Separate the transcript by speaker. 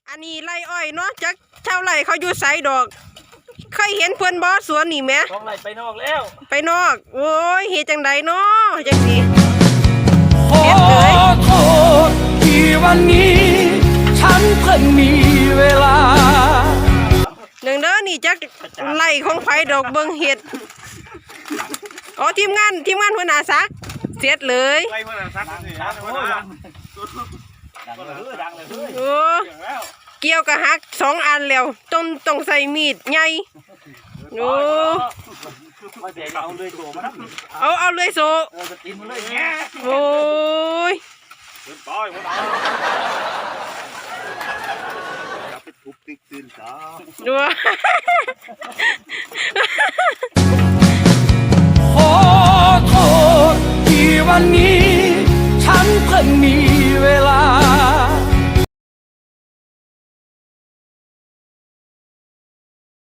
Speaker 1: อันนี้ไร่อ้อยเนาะจักชาวไร่เขาอยู่ไสดอกเคยเห็นเพิ่นบ่สวนนี่แหม
Speaker 2: ท้องไร่ไปนอกแล้ว
Speaker 1: ไปนอกโอ้ยเฮ็ดจังไดเนาะจังสิ
Speaker 3: ขอโทษที่วันนี้ฉันเพิ่งมีเวลา
Speaker 1: หนึ่งเด้อนี่จักไร่ของไผดอกเบิ่งเฮ็ดอ๋อทีมงานหัวหน้าซักเสร็จเลย
Speaker 4: ไล่มาซักสิฮะ
Speaker 2: ดังเลยเฮ้ย
Speaker 1: โอ้เกี่ยวกับหัก2อันแล้วต้องใส่มีดใหญ่โอ้
Speaker 2: มาเสียเอาเลยโถมานะ
Speaker 1: เอาเลยโซ
Speaker 2: จะกินมันเลยแง่
Speaker 1: โอ้ย
Speaker 4: เดินต่อยมาต่อยจับไปทุบติ๊กตื่นจ้า
Speaker 1: ดู
Speaker 3: ขอโทษที่วันนี้ฉันเพิ่งมีเวลา